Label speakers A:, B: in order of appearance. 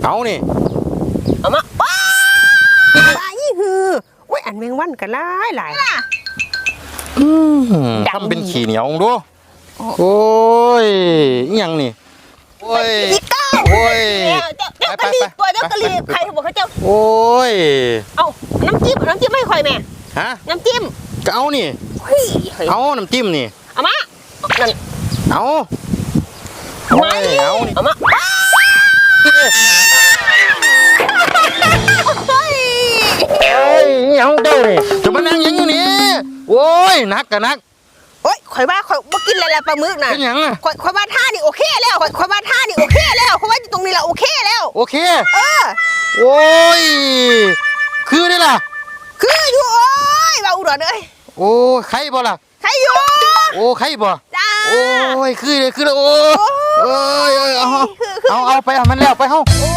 A: เอานี่
B: เอามาว้าไปฮือโอ้ยอันแมงวันกันหลาย
A: ทำเป็นขี้เหนียวดูโอ้ยยังนี่โอ้ยโอ้ย
B: เจ้ากะลีตัวเจ้ากะลีใครบอกเขาเจ้า
A: โอ้ย
B: เอาน้ำจิ้มไม่ค่อยแม่
A: ฮะ
B: น้ำจิ้ม
A: ก็เอานี่เอาน้ำจิ้มนี่
B: เอามานั่น
A: เอา
B: ไม่เอามา
A: เฮ้ยยังเจ้านี่จะมานั่งยังอยู่นี่โอ้ยนักกันนัก
B: โอ้ยข่อยว่าข่อยบ่กินอะไรปลาหมึกน่ะ
A: เป็นยังอ่ะ
B: ข่อยว่าท่านี่โอเคแล้วข่อยว่าท่านี่โอเคแล้วข่อยว่าตรงนี้ละโอเคแล้ว
A: โอเคโอ้ยคือได้ล่ะ
B: คืออยู่โอ้ยว่าอุดรเอ้ย
A: โอ้ใครบ่ล่ะ
B: ใครอยู่
A: โอ้ใครบ่
B: จ้า
A: โอ้ยคือเลยโอ้ยเอาไปมันแล้วไปเฮา